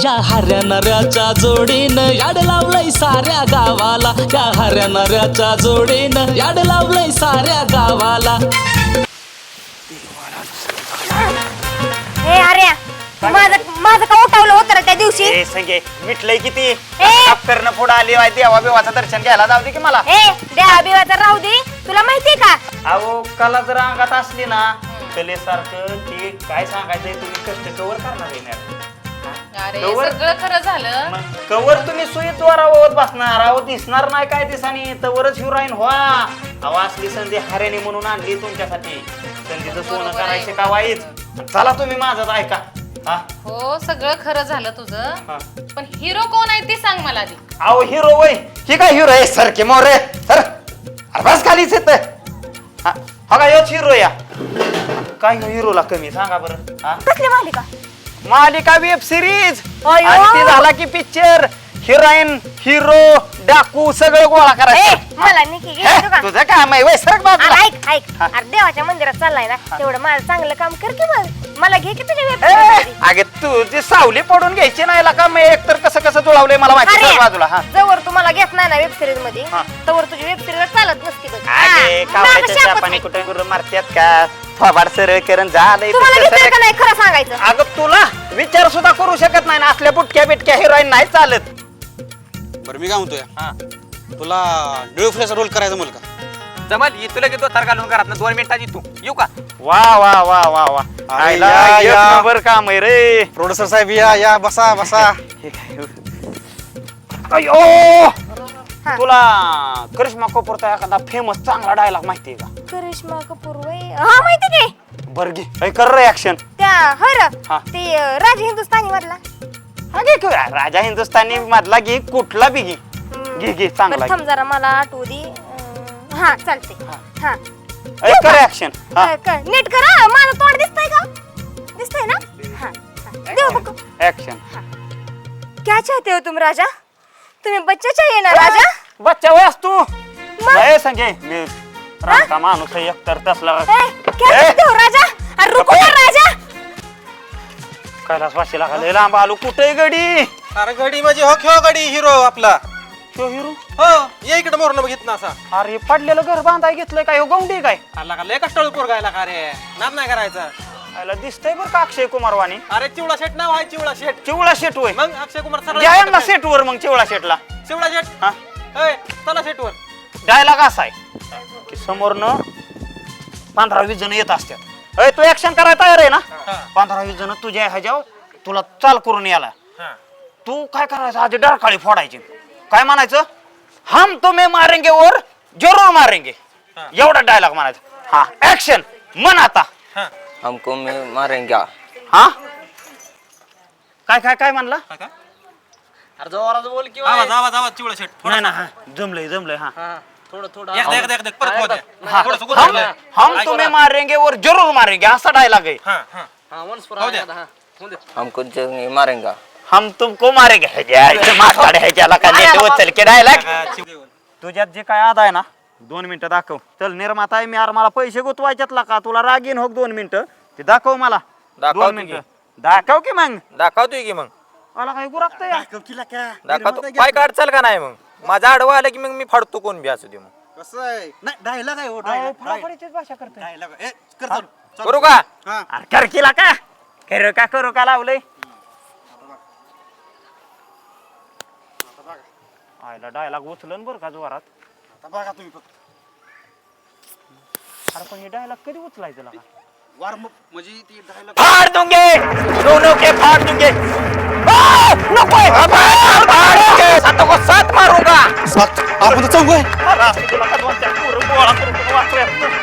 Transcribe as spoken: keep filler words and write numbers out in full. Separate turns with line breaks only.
या हऱ्या नऱ्याच्या जोडीनं याड लावलंय साऱ्या गावाला, या हऱ्या नऱ्याच्या जोडीनं याड लावलंय साऱ्या गावाला.
हे अरे माझं माझं का उठवलं होतं रे त्या दिवशी?
ए संगे मिटलंय किती करणं पुढे आली आहे देवा बिवाचं दर्शन घ्यायला जाऊ दे की मला.
ए देवा बिवाचं राहू दे, तुला माहितीये का
अहो कला जर अंगात असली ना कलेसारखं ते काय सांगायचंय तुम्ही कष्ट कवर करणार आहे मॅडम.
अरे
कवर-
सगळं खरं झालं.
मग कवर तुम्ही सुईद्वारावर बसणार अहो दिसणार नाही काय दिसानी तवरच हिरोईन व्हा. अहो असली संधी हारेने म्हणून आणली तुमच्यासाठी. संधीचं सोनं
बरोबर आहे.
करायचे का वाईट. चला तुम्ही माझंच ऐका. हा
हो सगळं खरं झालं तुझं,
हा.
पण हिरो कोण आहे ते सांग मला आधी.
अहो हिरो वय ही काय हिरो आहे सर के मोरे सर अरे बस खालीच येत हा का योच हिरो या काय हिरोला कमी सांगा बरं. हा
कसली मालिका?
मालिका वेब सिरीज
अयो.
आणि ती झाला की पिक्चर हिरोईन हिरो डाकू सगळं गोळा
ए
करायचं.
मला निकी
हे,
घ्यायचं का?
तुझं काम आहे वय सरक बाजूला.
अरे ऐक ऐक
हा.
अरे देवाच्या मंदिरात चाललाय ना तेवढं माझं चांगलं काम कर की मग. मला घे की तुझ्या
ए,
वेबसाईट.
अगे तू ती सावली पडून घ्यायची नाही का मी एकतर कसं कसं जुळवलंय मला माहिती सरक बाजूला. हा
जवळ तुम्हाला घेत नाही ना वेब सिरीज मध्ये
हा.
तवर तुझी वेब सिरीज चालत नसती बघ.
अगे
हा.
कावळ्याच्या
माझं शापच
चापाने
आहे.
कुठे गुरु मारत्यात का थोबाड सरळ करून झालंय
तुम्हाला
तुझं
घेतलं
सरक.
का नाही खरं सांगायचं?
अगं तुला विचार सुद्धा करू शकत नाही ना असल्या बुटक्या बिटक्या हिरोईन नाही चालत.
बरं मी काय म्हणतोय
हा.
तुला डिओफ्लेचा रोल करायचा मला का?
जमल ये तुला घेतो तार घालून घरात दोन मिनिटात येतो येऊ का?
वा वा वा वा वा
अरे
आईला
या,
एक
या.
नंबर काम आहे रे.
प्रोड्युसर साहेब या या बसा बसा.
अयो
हा.
तुला करिश्मा कपूरचा एखादा फेमस चांगला डायलॉग माहितीये का?
करिश्मा कपूर वय हा माहिती की
बर घे ऐ, कर रे ऍक्शन.
त्या होय र
हा.
ते अं, राज हिंदुस्थानी मधला.
घे की, राजा हिंदुस्थानी मधला घे कुठला बी घे
हम्म.
घे घे चांगला
बरं, थांब जरा मला आठवू दे. अं, हा चालते हा
घे. ऐ, कर ऍक्शन.
कर, कर. नीट करा माझं तोंड दिसतंय का? दिसतंय ना? हा हा. देऊ बघ.
ऍक्शन.
क्या चाहते हो तुम राजा? तुम्ही बच्चा चाहिए ना राजा?
बच्चा वयस तू
मग?
नाही सांगे मी रामका माणूस आहे एकतर तसला.
ए, क्या
ए.
चाहते हो राजा? अरे रुको ना राजा.
कैलास वाशीला का लय लांब आलो कुठे गडी.
अरे गडी माझी हो खेळ गडी हिरो आपला.
तो हिरो
हो ये इकडे मोरण बघित ना असा.
अरे पडलेलं घर बांधाय घेतलंय काय हो गौंडी काय.
आला का लय कष्टाळू पोरगायला का रे नाद नाही करायचा.
याला दिसतंय बरं का अक्षय कुमार वाणी.
अरे चिवळा शेट नाव आहे चिवळा शेट.
चिवळा शेट होय.
मग अक्षय कुमार
द्या यांना सेट वर मग चिवळा शेटला.
चिवळा शेट
हा
ए, चला शेट वर.
डायलॉग असा आहे की समोरनं पंधरा वीस जण येत असतात. अय तू ऍक्शन करायला तयार आहे ना?
हा.
पंधरा वीस जण तुझ्या ह्याच्यावर तुला चाल करून याला. तू काय करायचं आधी डरकाळी फोडायची. काय म्हणायचं हम तुम्हें मारेंगे और जरूर मारेंगे एवढा डायलॉग म्हणायचा. हा ऍक्शन म्हण आता.
हमको मैं मारेंगे.
हा काय काय काय म्हणला?
अरे जोरात बोल की
आवाज आवाज आवाज चिवळा शेट.
नाही ना हा जमलंय जमलंय. हा
थोडं थोडं
एकदा एकदा एकदा परत होऊ द्या.
हा.
थोडंसं गुरु
हम
लागलंय.
हम तुम्हें मारेंगे और जरूर मारेंगे असा डायलॉग आहे.
हा हा
होऊ दे. हमको जंग मारेंगा.
हम तुमको मारेंगे ह्याच्या माथाड ह्याच्याला का नेट उचल के डायलॉग.
हा, चिव-
तुझ्यात जे काय आद आहे ना दोन मिनिटं दाखव. चल निर्माता आहे मी यार मला पैसे गुतवायच्यातला का तुला राग येईन हो दोन मिनिटं ते दाखव मला.
दाखव
दोन
की.
मिनिटं दाखव की मग
दाखवतोय की मग
मला काय गुरागत या.
दाखवतो पाय काढचाल का नाही मग माझा आडवा आलं की मग मी फाडतो कोण बी असू दे मग
कसं आहे नाही डायलॉग आहे हो
अहो, फडाफडीचीच भाषा करतोय.
डायलॉग ए कर चालू. चालू.
करू का?
हा
अरे कर केला का करू का करू का लावलंय. आयला डायलॉग उचलन बरं का जोरात.
आता बघा तुम्ही फक्त
अरे पण हे डायलॉग कधी उचलायचं लागा.
वार्म म्हणजे ती डायलॉग
फाड़ दूंगे दोनों के फाड़ दूंगे. आ, नको आहे. फाड़, फाड़ दूंगे. सातों को सात मारूंगा.
सात आपण तर चौघ आहे.
अरे, तुला का दोन चार पोरं गोळा करून वाचूयात.